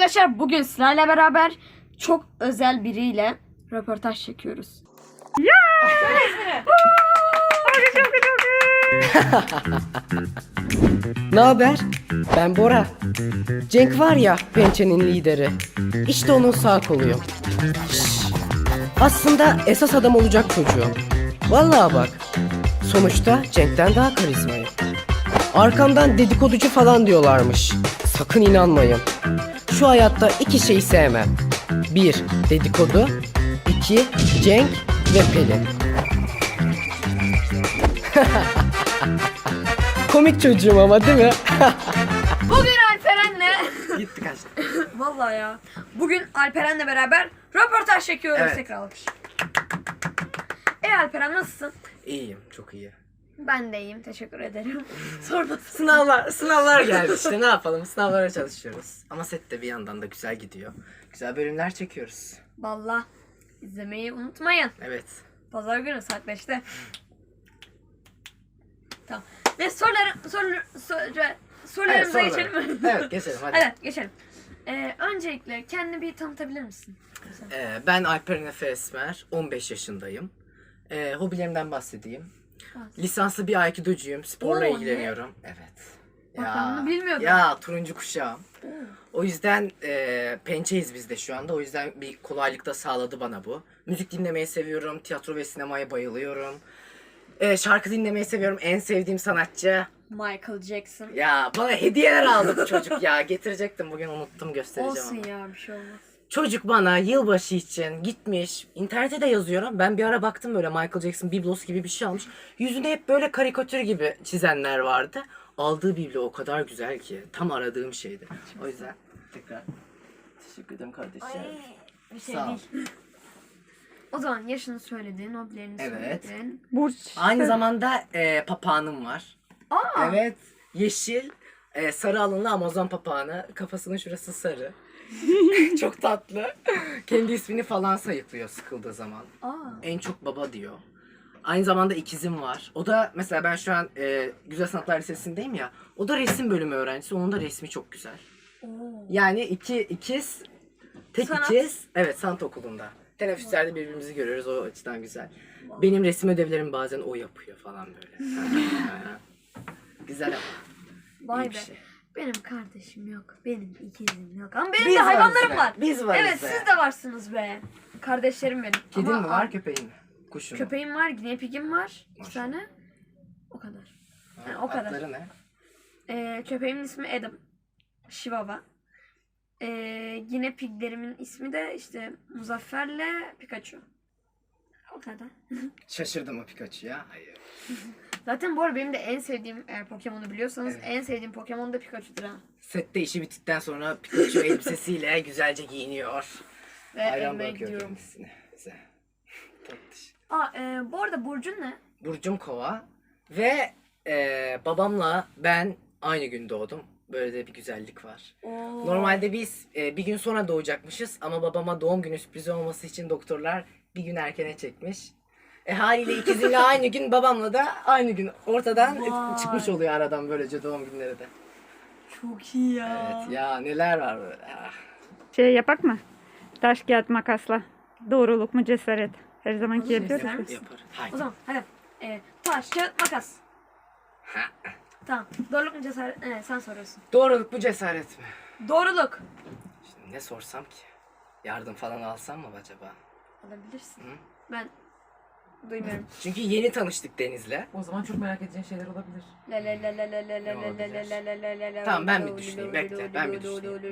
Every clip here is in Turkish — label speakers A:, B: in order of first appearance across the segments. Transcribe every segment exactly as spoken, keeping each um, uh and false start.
A: Arkadaşlar bugün sizlerle beraber çok özel biriyle röportaj çekiyoruz.
B: Ya!
C: Ne haber? Ben Bora. Cenk var ya, Pençe'nin lideri. İşte onun sağ koluyum. Şşş. Aslında esas adam olacak çocuğum. Vallahi bak. Sonuçta Cenk'ten daha karizmayım. Arkamdan dedikoducu falan diyorlarmış. Sakın inanmayın. Şu hayatta iki şeyi sevmem. Bir, dedikodu. İki, Cenk ve Pelin. Komik çocuğum ama değil mi?
A: Bugün Alperen'le
C: Gitti kaçtı.
A: vallahi ya. Bugün Alperen'le beraber röportaj çekiyoruz.
C: Evet.
A: Tekrar alkış. E Alperen nasılsın?
C: İyiyim, çok iyi.
A: Ben de iyiyim. Teşekkür ederim. Sormasın.
C: Sınavlar, sınavlar geldi işte, ne yapalım, sınavlara çalışıyoruz. Ama set de bir yandan da güzel gidiyor. Güzel bölümler çekiyoruz.
A: Vallahi izlemeyi unutmayın.
C: Evet.
A: Pazar günü saat beşte. Tamam. Ve soruları soruları soru, sorularımıza
C: Evet,
A: geçelim mi?
C: Evet, geçelim hadi.
A: Evet, geçelim. Ee, öncelikle kendini bir tanıtabilir misin?
C: Ee, ben Alperen Efe Esmer, on beş yaşındayım. Ee, hobilerimden bahsedeyim.
A: Bahset.
C: Lisanslı bir Aikido'cuyum, sporla
A: Oo,
C: ilgileniyorum. Evet.
A: Bak, ben bunu bilmiyordum.
C: Ya turuncu kuşağım. O yüzden e, pençeyiz biz de şu anda. O yüzden bir kolaylık da sağladı bana bu. Müzik dinlemeyi seviyorum, tiyatro ve sinemaya bayılıyorum. E, şarkı dinlemeyi seviyorum. En sevdiğim sanatçı.
A: Michael Jackson.
C: Ya bana hediyeler aldı bu çocuk ya. Getirecektim bugün, unuttum, göstereceğim
A: Olsun
C: ama.
A: ya, bir şey olmaz.
C: Çocuk bana yılbaşı için gitmiş. İnternete de yazıyorum. Ben bir ara baktım, böyle Michael Jackson biblosu gibi bir şey almış. Yüzünde hep böyle karikatür gibi çizenler vardı. Aldığı biblo o kadar güzel ki. Tam aradığım şeydi. O yüzden tekrar teşekkür ederim kardeşim.
A: Bir şey
C: Sağ ol.
A: değil. O zaman yaşını söyledin, hobilerini
C: Evet.
A: söyledin.
B: Burç.
C: Aynı zamanda e, papağanım var.
A: Aa!
C: Evet. Yeşil, e, sarı alınlı Amazon papağanı. Kafasının şurası sarı. Çok tatlı. Kendi ismini falan sayıklıyor sıkıldığı zaman.
A: Aa!
C: En çok baba diyor. Aynı zamanda ikizim var. O da mesela, ben şu an e, Güzel Sanatlar Lisesi'ndeyim ya. O da resim bölümü öğrencisi. Onun da resmi çok güzel.
A: Oo.
C: Yani iki ikiz, tek
A: Sanat.
C: ikiz. Evet, sanat okulunda. Teneffüslerde birbirimizi görüyoruz, o açıdan güzel. Benim resim ödevlerimi bazen o yapıyor falan böyle. Güzel ama.
A: Vay
C: iyi bir
A: be.
C: şey.
A: Benim kardeşim yok. Benim ikizim yok. Ama benim
C: Biz
A: de
C: varız
A: hayvanlarım
C: be,
A: var.
C: biz varız
A: Evet,
C: be.
A: siz de varsınız be. Kardeşlerim benim.
C: Kedin
A: Ama
C: mi var, köpeğin mi? Kuşun mu?
A: köpeğim var, guinea pig'im var. İki
C: Maşallah.
A: tane. O kadar.
C: Ha,
A: Yani o kadar.
C: adları ne?
A: Ee, köpeğimin ismi Adam. Chihuahua. Ee, guinea pig'lerimin ismi de işte Muzaffer'le Pikachu. O kadar.
C: Şaşırdım o Pikachu'ya. Hayır.
A: Zaten bu arada benim de en sevdiğim, eğer Pokemon'u biliyorsanız,
C: Evet.
A: en sevdiğim Pokemon da Pikachu'dur ha.
C: Sette işi bittikten sonra Pikachu elbisesiyle güzelce giyiniyor.
A: Ve
C: Hayran
A: evime
C: bırakıyor
A: gidiyorum.
C: kendisini. Güzel. Tatlış.
A: Aa, e, bu arada Burcun ne?
C: Burcum Kova ve e, babamla ben aynı gün doğdum. Böyle de bir güzellik var.
A: Oo.
C: Normalde biz e, bir gün sonra doğacakmışız ama babama doğum günü sürprizi olması için doktorlar bir gün erkene çekmiş. E haliyle ikizimle aynı gün, babamla da aynı gün ortadan
A: Vay.
C: çıkmış oluyor aradan, böylece doğum günleri de.
A: Çok iyi ya.
C: Evet ya, neler var böyle. Ah.
B: Şey yapak mı? Taş kağıt makasla. Doğruluk mu cesaret? Her zamanki
A: Olur,
B: yapıyoruz.
A: ister
B: ya.
A: misin?
C: Yapar. Haydi.
A: O zaman hadi. E, taş, kağıt, makas.
C: Ha.
A: Tamam. Doğruluk mu cesaret? Evet, sen soruyorsun.
C: Doğruluk mu cesaret mi?
A: Doğruluk.
C: Şimdi ne sorsam ki? Yardım falan alsam mı acaba?
A: Alabilirsin.
C: Hı?
A: Ben duymuyorum.
C: Çünkü yeni tanıştık Deniz'le.
D: O zaman çok merak edeceğin şeyler olabilir.
A: La la la la la la la la
C: olabilir?
A: la la la la la la.
C: Tamam, ben bir düşüneyim, bekle, ben bir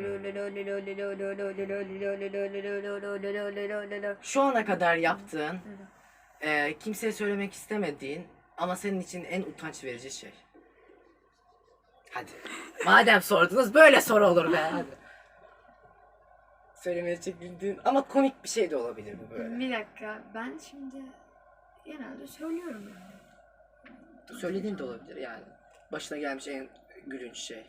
A: düşüneyim.
C: Şu ana kadar yaptığın, e, kimseye söylemek istemediğin ama senin için en utanç verici şey. Hadi. Madem sordunuz, böyle soru olur be. Hadi. Söylemeye çekindiğin ama komik bir şey de olabilir bu böyle.
A: Bir dakika, ben şimdi genelde söylüyorum yani.
C: Söylediğin de olabilir yani. Başına gelmiş en gülünç şey.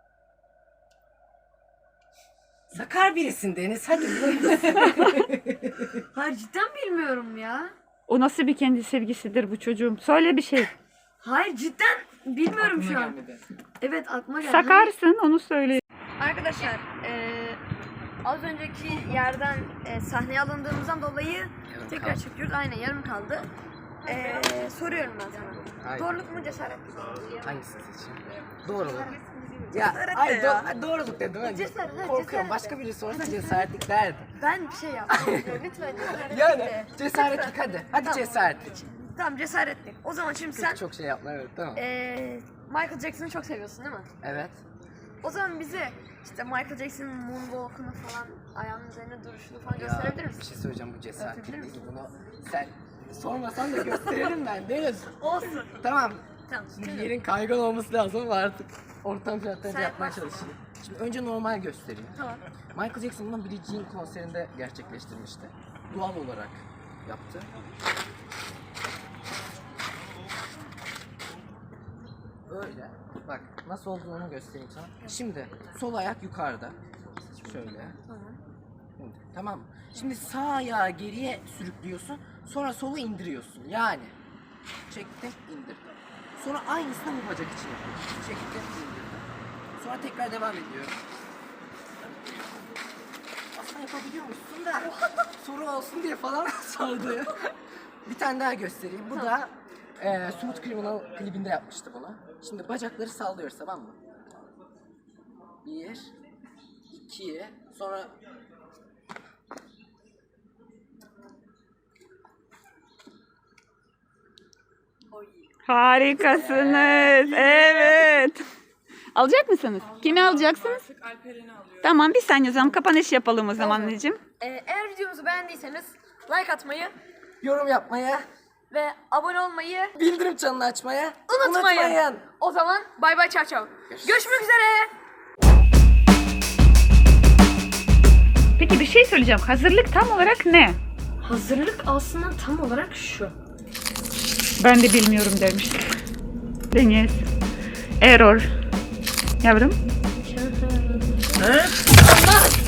C: Sakar birisin Deniz, hadi.
A: Hayır, cidden bilmiyorum ya.
B: O nasıl bir kendi sevgisidir bu çocuğum? Söyle bir şey.
A: Hayır, cidden bilmiyorum
D: Aklıma
A: şu an.
D: gelmedi.
A: Evet, aklıma geldi.
B: Sakarsın, onu söyle.
A: Arkadaşlar, eee az önceki yerden e, sahneye alındığımızdan dolayı
C: Yarım
A: tekrar
C: kaldı.
A: çekiyoruz. Aynen yarım kaldı. E, soruyorum ben sana.
C: Hayır.
A: Doğruluk mu cesaret mi?
C: Hangisini seçeyim? Doğruluk. Ya,
A: Cesaret
C: ay,
A: de ya.
C: do- doğruluk dedim. Ben
A: Cesaret, ha,
C: korkuyorum.
A: cesaret.
C: Başka biri sorsa cesaretlik derdim.
A: Ben bir şey yaptım. Lütfen cesaretlik
C: Yani
A: de.
C: cesaretlik hadi. Hadi
A: Tamam.
C: cesaretlik.
A: Tamam cesaretlik. O zaman şimdi sen
C: Çok şey yapma, evet, tamam.
A: e, Michael Jackson'ı çok seviyorsun değil mi?
C: Evet.
A: O zaman bize işte Michael Jackson'ın moonwalk'unu falan ayağının üzerine duruşunu falan
C: Ya,
A: gösterebilir
C: bir
A: misin?
C: şey söyleyeceğim, bu cesaretlik
A: Gösterebilir
C: değil.
A: misin?
C: Bunu sen sormasan da gösteririm ben. Deniz.
A: Olsun.
C: Tamam.
A: Tamam.
C: Şimdi
A: Şimdi
C: yerin kaygan olması lazım ama artık ortam şartlarında
A: Sen
C: yapmaya
A: yaparsın.
C: çalışayım. Şimdi önce normal göstereyim.
A: tamam.
C: Michael Jackson bunu Billie Jean konserinde gerçekleştirmişti. Doğal olarak yaptı. Böyle. Bak nasıl olduğunu onu göstereyim sana. Şimdi sol ayak yukarıda. Şöyle.
A: Tamam.
C: Şimdi, tamam. Şimdi sağ ayağı geriye sürüklüyorsun. Sonra solu indiriyorsun. Yani çektim, indirdim. Sonra aynısını bu bacak için yapıyorum. Çektim, indirdim. Sonra tekrar devam ediyorum. Aslında yapabiliyormuşsun da soru olsun diye falan sordu. Bir tane daha göstereyim. Bu da e, Smooth Criminal klibinde yapmıştı bunu. Şimdi bacakları sallıyoruz, tamam mı? Bir, iki, sonra
B: Harikasınız. Evet. Alacak mısınız? Kimi alacaksınız? Tamam, bir saniye o zaman kapanış yapalım o zaman anneciğim.
A: Ee, eğer videomuzu beğendiyseniz like atmayı
C: yorum yapmaya,
A: ve abone olmayı
C: bildirim çanını açmaya
A: unutmayın.
C: unutmayın.
A: O zaman bay bay çao çao. Görüşmek üzere.
B: Peki bir şey söyleyeceğim. Hazırlık tam olarak ne?
A: Hazırlık aslında tam olarak şu.
B: Ben de bilmiyorum demiş. Deniz. Error. Yavrum.
A: Allah!